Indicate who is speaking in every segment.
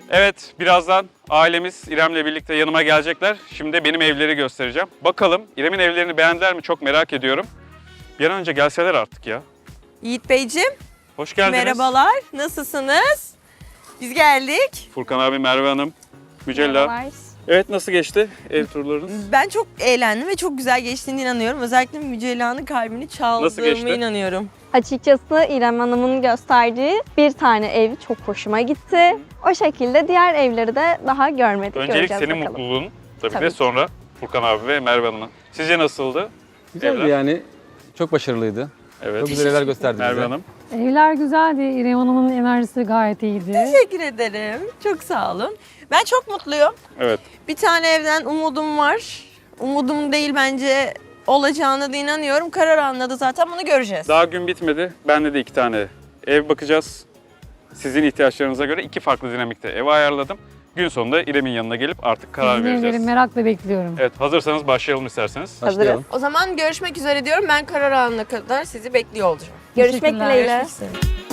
Speaker 1: Evet, birazdan ailemiz İrem'le birlikte yanıma gelecekler. Şimdi benim evleri göstereceğim. Bakalım İrem'in evlerini beğendiler mi çok merak ediyorum. Bir an önce gelseler artık ya.
Speaker 2: Yiğit Beyciğim,
Speaker 1: Hoş geldiniz.
Speaker 2: merhabalar. Nasılsınız? Biz geldik.
Speaker 1: Furkan abi, Merve Hanım, Mücella. Evet, nasıl geçti ev turlarınız?
Speaker 2: Ben çok eğlendim ve çok güzel geçtiğine inanıyorum. Özellikle Mücella'nın kalbini
Speaker 1: Nasıl
Speaker 2: çaldığıma
Speaker 1: geçti?
Speaker 2: inanıyorum.
Speaker 3: Açıkçası İrem Hanım'ın gösterdiği bir tane ev çok hoşuma gitti. O şekilde diğer evleri de daha görmedik,
Speaker 1: Öncelik
Speaker 3: göreceğiz
Speaker 1: senin
Speaker 3: bakalım.
Speaker 1: mutluluğun tabii
Speaker 3: Tabii
Speaker 1: de
Speaker 3: ki.
Speaker 1: sonra Furkan abi ve Merve Hanım'ın. Sizce nasıldı?
Speaker 4: Güzeldi
Speaker 1: Evler?
Speaker 4: yani. Çok başarılıydı.
Speaker 1: Evet.
Speaker 4: Çok güzel evler gösterdi
Speaker 1: Merve
Speaker 4: bize.
Speaker 1: Hanım.
Speaker 5: Evler güzeldi. İrem Hanım'ın enerjisi gayet iyiydi.
Speaker 2: Teşekkür ederim. Çok sağ olun. Ben çok mutluyum.
Speaker 1: Evet.
Speaker 2: Bir tane evden umudum var. Umudum değil, bence olacağına da inanıyorum. Karar anladı zaten, bunu göreceğiz.
Speaker 1: Daha gün bitmedi. Bende de 2 tane ev bakacağız. Sizin ihtiyaçlarınıza göre 2 farklı dinamikte ev ayarladım. Gün sonunda İrem'in yanına gelip artık karar
Speaker 5: Sizin evleri
Speaker 1: vereceğiz.
Speaker 5: merakla bekliyorum.
Speaker 1: Evet, hazırsanız başlayalım isterseniz.
Speaker 4: Başlayalım.
Speaker 2: O zaman görüşmek üzere diyorum. Ben karar anına kadar sizi bekliyor olacağım.
Speaker 3: Görüşmek
Speaker 5: Teşekkürler.
Speaker 3: dileğiyle.
Speaker 2: Görüşmek üzere.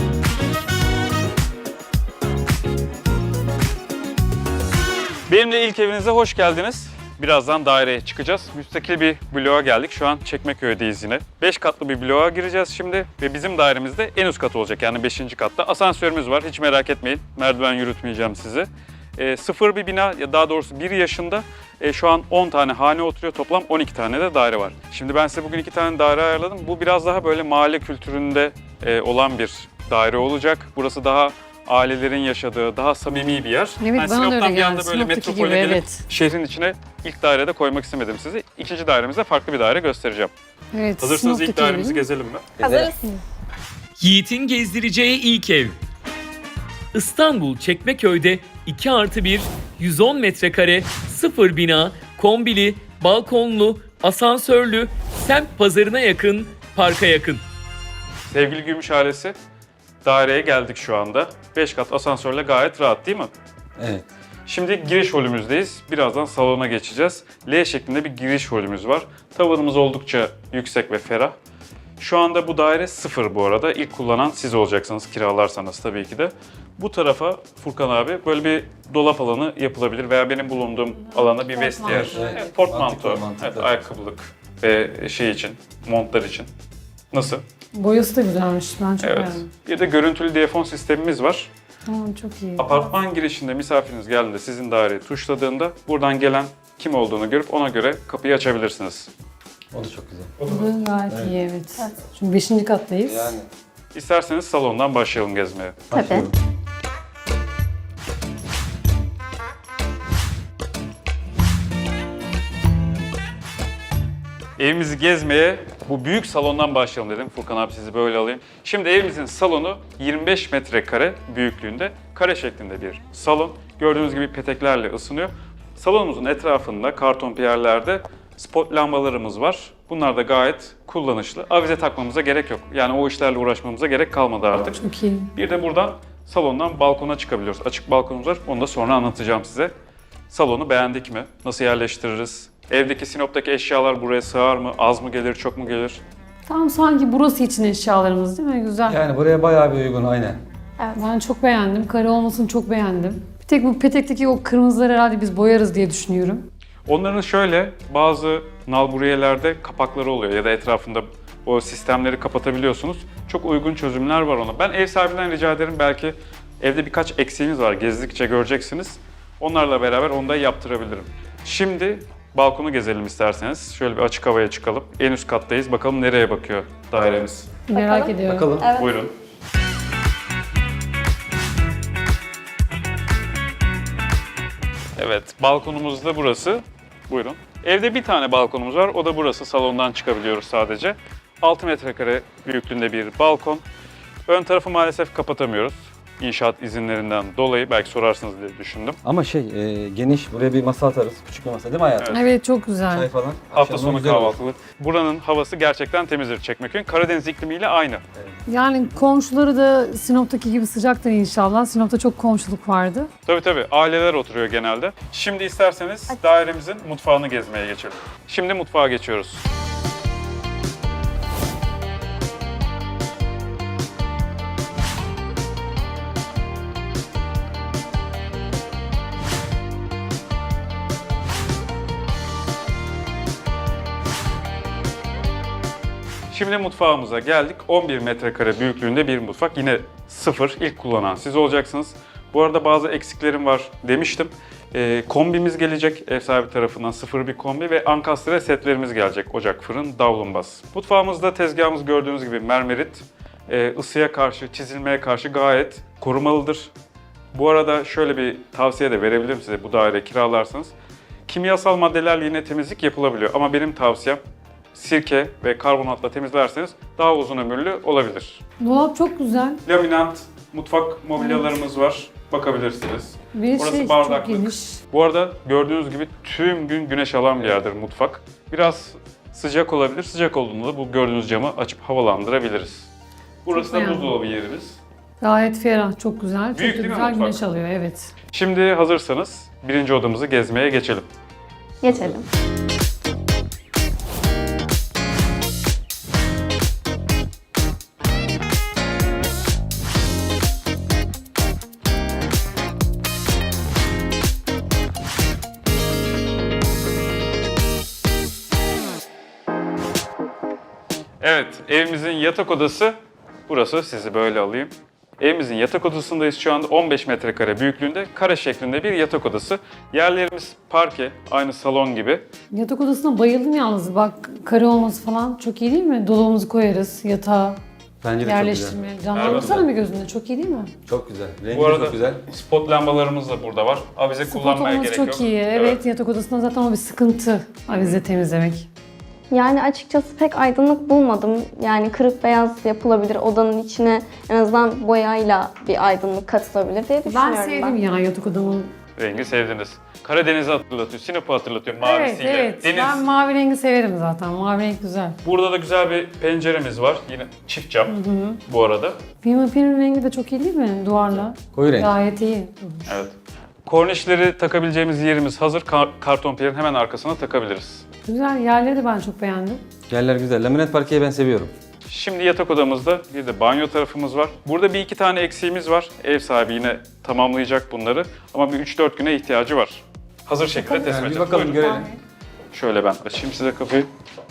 Speaker 1: Benimle ilk evinize hoş geldiniz. Birazdan daireye çıkacağız. Müstakil bir bloğa geldik. Şu an Çekmeköy'deyiz yine. 5 katlı bir bloğa gireceğiz şimdi. Ve bizim dairemizde en üst kat olacak, yani 5. katta. Asansörümüz var, hiç merak etmeyin. Merdiven yürütmeyeceğim sizi. Sıfır bir bina, ya daha doğrusu 1 yaşında. Şu an 10 tane hane oturuyor. Toplam 12 tane de daire var. Şimdi ben size bugün 2 tane daire ayarladım. Bu biraz daha böyle mahalle kültüründe olan bir daire olacak. Burası daha ailelerin yaşadığı, daha samimi bir yer.
Speaker 5: Evet,
Speaker 1: Ben
Speaker 5: bana da öyle
Speaker 1: Sinop'tan bir
Speaker 5: geldi.
Speaker 1: anda böyle
Speaker 5: Sinop'taki
Speaker 1: metropole
Speaker 5: gibi,
Speaker 1: gelip
Speaker 5: evet.
Speaker 1: şehrin içine ilk dairede koymak istemedim sizi. İkinci dairemizde farklı bir daire göstereceğim.
Speaker 5: Evet,
Speaker 1: Hazırsanız ilk
Speaker 5: sınıftaki
Speaker 1: dairemizi
Speaker 5: gibi.
Speaker 1: gezelim mi?
Speaker 3: Hazırız.
Speaker 6: Yiğit'in gezdireceği ilk ev. İstanbul Çekmeköy'de 2+1, 110 metrekare, sıfır bina, kombili, balkonlu, asansörlü, semt pazarına yakın, parka yakın.
Speaker 1: Sevgili Gümüş ailesi, daireye geldik şu anda. 5 kat asansörle gayet rahat değil mi?
Speaker 4: Evet.
Speaker 1: Şimdi giriş holümüzdeyiz. Birazdan salona geçeceğiz. L şeklinde bir giriş holümüz var. Tavanımız oldukça yüksek ve ferah. Şu anda bu daire sıfır bu arada. İlk kullanan siz olacaksınız kiralarsanız tabii ki de. Bu tarafa Furkan abi böyle bir dolap alanı yapılabilir veya benim bulunduğum alana bir vestiyer.
Speaker 4: Evet.
Speaker 1: Evet, portmanto,
Speaker 4: Mantıklı.
Speaker 1: evet, ayakkabılık ve şey için, montlar için. Nasıl?
Speaker 5: Boyası da güzelmiş. Ben çok
Speaker 1: Evet.
Speaker 5: beğendim.
Speaker 1: Bir de görüntülü diyafon sistemimiz var.
Speaker 5: Tamam, çok iyi.
Speaker 1: Apartman girişinde misafiriniz geldiğinde sizin daireyi tuşladığında buradan gelen kim olduğunu görüp ona göre kapıyı açabilirsiniz.
Speaker 4: O da çok güzel.
Speaker 5: Bu da gayet iyi, evet. Çünkü 5. kattayız.
Speaker 4: Yani.
Speaker 1: İsterseniz salondan başlayalım gezmeye.
Speaker 3: Tabii.
Speaker 4: başlayalım.
Speaker 1: Evimizi gezmeye bu büyük salondan başlayalım dedim. Furkan abi, sizi böyle alayım. Şimdi evimizin salonu 25 metrekare büyüklüğünde, kare şeklinde bir salon. Gördüğünüz gibi peteklerle ısınıyor. Salonumuzun etrafında karton piyerlerde spot lambalarımız var. Bunlar da gayet kullanışlı. Avize takmamıza gerek yok. Yani o işlerle uğraşmamıza gerek kalmadı artık.
Speaker 5: Çok iyi.
Speaker 1: Bir de buradan salondan balkona çıkabiliyoruz. Açık balkonumuz var. Onu da sonra anlatacağım size. Salonu beğendik mi? Nasıl yerleştiririz? Evdeki Sinop'taki eşyalar buraya sığar mı? Az mı gelir, çok mu gelir?
Speaker 5: Tam sanki burası için eşyalarımız değil mi? Güzel.
Speaker 4: Yani buraya bayağı bir uygun aynen.
Speaker 5: Ben çok beğendim. Kare olmasını çok beğendim. Bir tek bu petekteki o kırmızıları herhalde biz boyarız diye düşünüyorum.
Speaker 1: Onların şöyle bazı nalburiyelerde kapakları oluyor ya da etrafında o sistemleri kapatabiliyorsunuz. Çok uygun çözümler var ona. Ben ev sahibinden rica ederim, belki evde birkaç eksiğimiz var, gezdikçe göreceksiniz. Onlarla beraber onu da yaptırabilirim. Şimdi balkonu gezelim isterseniz. Şöyle bir açık havaya çıkalım. En üst kattayız. Bakalım nereye bakıyor dairemiz.
Speaker 5: Merak ediyorum.
Speaker 4: Bakalım.
Speaker 1: Buyurun. Evet, balkonumuz da burası. Buyurun. Evde bir tane balkonumuz var. O da burası. Salondan çıkabiliyoruz sadece. 6 metrekare büyüklüğünde bir balkon. Ön tarafı maalesef kapatamıyoruz. İnşaat izinlerinden dolayı, belki sorarsınız diye düşündüm.
Speaker 4: Ama geniş, buraya bir masa atarız. Küçük bir masa değil mi hayatım?
Speaker 5: Evet, çok güzel.
Speaker 4: Çay falan.
Speaker 1: Hafta
Speaker 4: Akşamdan
Speaker 1: sonu
Speaker 4: güzel olur.
Speaker 1: kahvaltılık. Buranın havası gerçekten temizdir Çekmeköy'ün. Karadeniz iklimiyle aynı.
Speaker 5: Yani komşuları da Sinop'taki gibi sıcaktır inşallah. Sinop'ta çok komşuluk vardı.
Speaker 1: Tabii aileler oturuyor genelde. Şimdi isterseniz dairemizin mutfağını gezmeye geçelim. Şimdi mutfağa geçiyoruz. Şimdi mutfağımıza geldik. 11 metrekare büyüklüğünde bir mutfak. Yine sıfır, ilk kullanan siz olacaksınız. Bu arada bazı eksiklerim var demiştim. Kombimiz gelecek ev sahibi tarafından, sıfır bir kombi ve ankastre setlerimiz gelecek. Ocak, fırın, davlumbaz. Mutfağımızda tezgahımız gördüğünüz gibi mermerit. Isıya karşı, çizilmeye karşı gayet korumalıdır. Bu arada şöyle bir tavsiye de verebilirim size bu daire kiralarsanız. Kimyasal maddelerle yine temizlik yapılabiliyor ama benim tavsiyem sirke ve karbonatla temizlerseniz daha uzun ömürlü olabilir.
Speaker 5: Dolap çok güzel.
Speaker 1: Laminant mutfak mobilyalarımız var. Bakabilirsiniz.
Speaker 5: Bir
Speaker 1: Burası
Speaker 5: çok
Speaker 1: bardaklık.
Speaker 5: geniş.
Speaker 1: Bu arada gördüğünüz gibi tüm gün güneş alan bir yerdir mutfak. Biraz sıcak olabilir. Sıcak olduğunda da bu gördüğünüz camı açıp havalandırabiliriz. Burası
Speaker 5: Çok
Speaker 1: da
Speaker 5: beğendim.
Speaker 1: buzdolabı yerimiz.
Speaker 5: Gayet ferah, çok güzel. Çok
Speaker 1: Büyük
Speaker 5: da
Speaker 1: değil mi
Speaker 5: güzel
Speaker 1: mutfak?
Speaker 5: güneş alıyor, evet.
Speaker 1: Şimdi hazırsanız birinci odamızı gezmeye geçelim.
Speaker 3: Geçelim.
Speaker 1: Evet, evimizin yatak odası burası. Sizi böyle alayım. Evimizin yatak odasındayız şu anda. 15 metrekare büyüklüğünde kare şeklinde bir yatak odası. Yerlerimiz parke, aynı salon gibi.
Speaker 5: Yatak odasına bayıldım yalnız. Bak, kare olması falan çok iyi değil mi? Dolabımızı koyarız, yatağa
Speaker 4: Bence de çok güzel.
Speaker 5: yerleştirme. Canlandırsana bir gözünde, çok iyi değil mi?
Speaker 4: Çok güzel. Rengi
Speaker 1: Bu
Speaker 4: de
Speaker 1: arada
Speaker 4: çok güzel.
Speaker 1: spot lambalarımız da burada var. Avize
Speaker 5: Spot
Speaker 1: kullanmaya
Speaker 5: olması
Speaker 1: gerek
Speaker 5: çok
Speaker 1: yok.
Speaker 5: iyi. Evet, yatak odasında zaten o bir sıkıntı. Avize temizlemek.
Speaker 3: Yani açıkçası pek aydınlık bulmadım. Yani kırık beyaz yapılabilir. Odanın içine en azından boyayla bir aydınlık katılabilir diye düşünüyorum
Speaker 5: Ben sevdim ya yatak odamın.
Speaker 1: Rengi sevdiniz. Karadeniz'i hatırlatıyor, Sinop'u hatırlatıyor
Speaker 5: Evet,
Speaker 1: mavisiyle.
Speaker 5: evet.
Speaker 1: Deniz.
Speaker 5: Ben mavi rengi severim zaten. Mavi renk güzel.
Speaker 1: Burada da güzel bir penceremiz var. Yine çift cam bu arada.
Speaker 5: Pimape'nin rengi de çok iyi değil mi duvarla?
Speaker 4: Koyu renk.
Speaker 5: Gayet iyi.
Speaker 1: Evet. Kornişleri takabileceğimiz yerimiz hazır. Karton piyerin hemen arkasına takabiliriz.
Speaker 5: Güzel. Yerleri de ben çok beğendim.
Speaker 4: Yerler güzel. Laminat parkeyi ben seviyorum.
Speaker 1: Şimdi yatak odamızda bir de banyo tarafımız var. Burada bir iki tane eksiğimiz var. Ev sahibi yine tamamlayacak bunları. Ama bir 3-4 güne ihtiyacı var. Hazır şekilde teslim
Speaker 4: Yani bir
Speaker 1: edeceğiz.
Speaker 4: bakalım
Speaker 1: Buyurun.
Speaker 4: görelim.
Speaker 1: Şöyle ben açayım size kapıyı.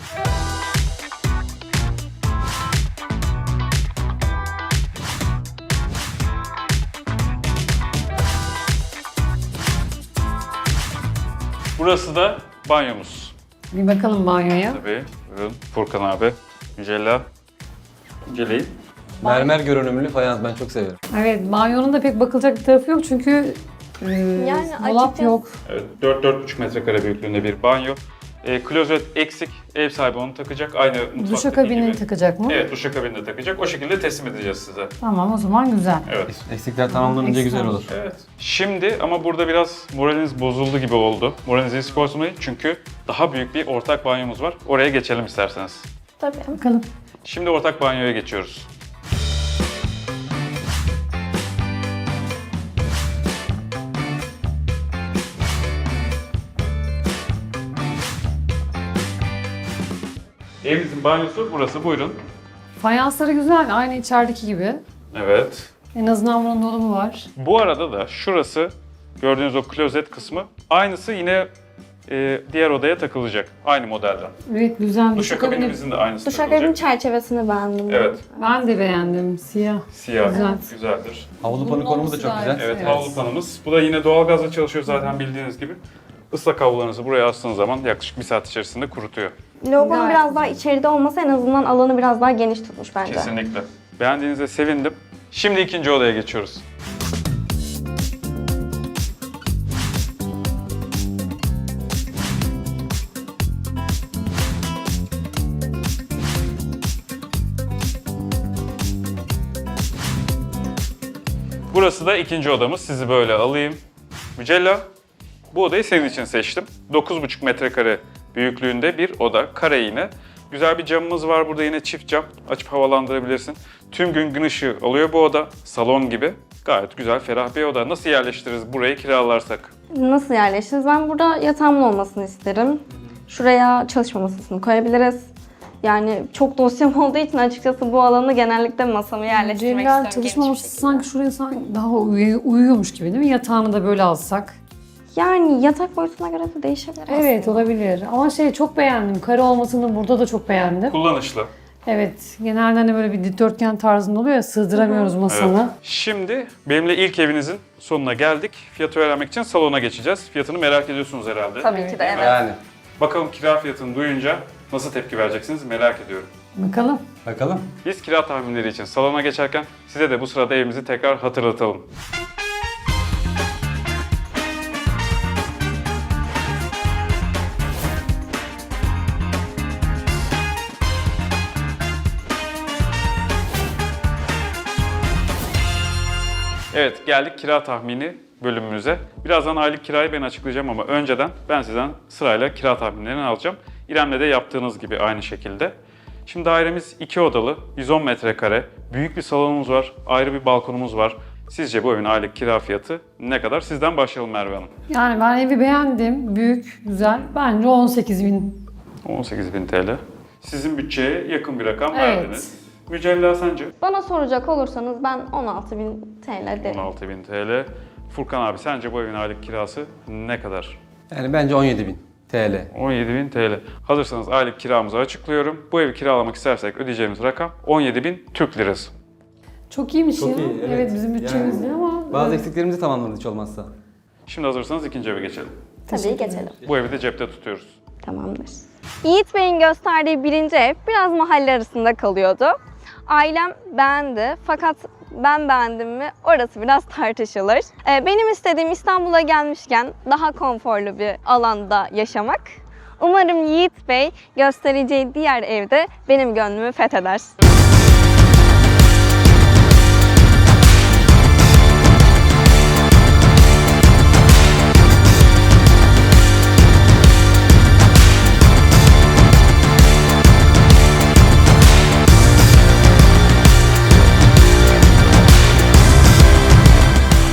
Speaker 1: Burası da banyomuz.
Speaker 5: Bir bakalım banyoya.
Speaker 1: Tabii. Buyurun Furkan abi. Mücella. Mücelleyin.
Speaker 4: Mermer görünümlü fayans ben çok severim.
Speaker 5: Evet, banyonun da pek bakılacak bir tarafı yok çünkü
Speaker 3: Yani
Speaker 5: dolap
Speaker 3: açıkçası-
Speaker 5: yok.
Speaker 1: Evet, 4-4,5 metrekare büyüklüğünde bir banyo. Klozet eksik. Ev sahibi onu takacak. Aynı mutfaktaki
Speaker 5: Duşakabini
Speaker 1: gibi.
Speaker 5: takacak mı?
Speaker 1: Evet, duşakabini de takacak. O şekilde teslim edeceğiz size.
Speaker 5: Tamam, o zaman güzel.
Speaker 1: Evet.
Speaker 4: Eksikler tamamlanınca
Speaker 5: Eksik
Speaker 4: güzel
Speaker 5: olmuş.
Speaker 4: olur.
Speaker 1: Evet. Şimdi ama burada biraz moraliniz bozuldu gibi oldu. Moralinizi eksik bozmayın çünkü daha büyük bir ortak banyomuz var. Oraya geçelim isterseniz.
Speaker 3: Tabii.
Speaker 5: Bakalım.
Speaker 1: Şimdi ortak banyoya geçiyoruz. Evimizin banyosu burası. Buyurun.
Speaker 5: Fayansları güzel, aynı içerideki gibi.
Speaker 1: Evet.
Speaker 5: En azından bunun dolabı var.
Speaker 1: Bu arada da şurası gördüğünüz o klozet kısmı aynısı yine diğer odaya takılacak. Aynı modelden.
Speaker 5: Evet, güzel. Duşakabini
Speaker 1: Duşakabinimizin de aynısı
Speaker 3: Duşakabinin
Speaker 1: takılacak.
Speaker 3: çerçevesini beğendim.
Speaker 1: Evet.
Speaker 5: ben de beğendim. Siyah.
Speaker 1: Siyah.
Speaker 5: Güzel.
Speaker 1: Güzeldir.
Speaker 4: Havlu
Speaker 5: Bunun
Speaker 4: pano konumu da
Speaker 5: olması
Speaker 4: çok
Speaker 5: gayet-
Speaker 4: güzel.
Speaker 1: Evet,
Speaker 5: Evet.
Speaker 1: havlu panımız. Bu da yine doğalgazla çalışıyor zaten bildiğiniz gibi. Islak havlularınızı buraya astığınız zaman yaklaşık 1 saat içerisinde kurutuyor.
Speaker 3: Logonun
Speaker 5: Gayet
Speaker 3: biraz daha içeride olması en azından alanı biraz daha geniş tutmuş bence.
Speaker 1: Kesinlikle. Beğendiğinize sevindim. Şimdi ikinci odaya geçiyoruz. Burası da ikinci odamız. Sizi böyle alayım. Mücella, bu odayı senin için seçtim. 9,5 metrekare büyüklüğünde bir oda. Kare yine. Güzel bir camımız var burada yine çift cam. Açıp havalandırabilirsin. Tüm gün ışığı alıyor bu oda. Salon gibi. Gayet güzel, ferah bir oda. Nasıl yerleştiririz burayı kiralarsak?
Speaker 3: Nasıl yerleşiriz? Ben burada yatağımın olmasını isterim. Şuraya çalışma masasını koyabiliriz. Yani çok dosyam olduğu için açıkçası bu alanı genellikle masamı yerleştirmek
Speaker 5: Celal
Speaker 3: istiyorum.
Speaker 5: çalışma
Speaker 3: geniş bir
Speaker 5: masası
Speaker 3: şekilde.
Speaker 5: sanki şuraya sanki daha uyuyormuş gibi değil mi? Yatağını da böyle alsak.
Speaker 3: Yani yatak boyutuna göre de değişebilir
Speaker 5: Evet,
Speaker 3: aslında.
Speaker 5: olabilir. Ama çok beğendim. Kare olmasını burada da çok beğendim.
Speaker 1: Kullanışlı.
Speaker 5: Evet, genelde hani böyle bir dikdörtgen tarzında oluyor ya, sığdıramıyoruz masanı.
Speaker 1: Evet. Şimdi benimle ilk evinizin sonuna geldik. Fiyatı öğrenmek için salona geçeceğiz. Fiyatını merak ediyorsunuz herhalde.
Speaker 3: Tabii ki de evet.
Speaker 4: Yani.
Speaker 1: Bakalım kira fiyatını duyunca nasıl tepki vereceksiniz merak ediyorum.
Speaker 5: Bakalım.
Speaker 4: Bakalım.
Speaker 1: Biz kira tahminleri için salona geçerken size de bu sırada evimizi tekrar hatırlatalım. Evet, geldik kira tahmini bölümümüze. Birazdan aylık kirayı ben açıklayacağım ama önceden ben sizden sırayla kira tahminlerini alacağım. İrem'le de yaptığınız gibi aynı şekilde. Şimdi dairemiz 2 odalı, 110 metrekare, büyük bir salonumuz var, ayrı bir balkonumuz var. Sizce bu evin aylık kira fiyatı ne kadar? Sizden başlayalım Merve Hanım.
Speaker 5: Yani ben evi beğendim. Büyük, güzel. Bence 18.000.
Speaker 1: 18.000 TL. Sizin bütçeye yakın bir rakam
Speaker 5: Evet.
Speaker 1: verdiniz. Mücella sence?
Speaker 3: Bana soracak olursanız ben 16.000 TL derim.
Speaker 1: 16.000 TL. Furkan abi sence bu evin aylık kirası ne kadar?
Speaker 4: Yani bence 17.000 TL.
Speaker 1: 17.000 TL. Hazırsanız aylık kiramızı açıklıyorum. Bu evi kiralamak istersek ödeyeceğimiz rakam 17.000 Türk Lirası.
Speaker 5: Çok iyiymiş
Speaker 4: Çok
Speaker 5: ya.
Speaker 4: iyi, evet.
Speaker 5: Evet, bizim bütçemiz
Speaker 4: Yani
Speaker 5: değil ama.
Speaker 4: Bazı
Speaker 5: evet.
Speaker 4: eksiklerimizi tamamladı hiç olmazsa.
Speaker 1: Şimdi hazırsanız ikinci eve geçelim.
Speaker 3: Tabii geçelim.
Speaker 1: Bu evi de cepte tutuyoruz.
Speaker 3: Tamamdır. Yiğit Bey'in gösterdiği birinci ev biraz mahalle arasında kalıyordu. Ailem beğendi fakat ben beğendim mi orası biraz tartışılır. Benim istediğim İstanbul'a gelmişken daha konforlu bir alanda yaşamak. Umarım Yiğit Bey göstereceği diğer evde benim gönlümü fetheder.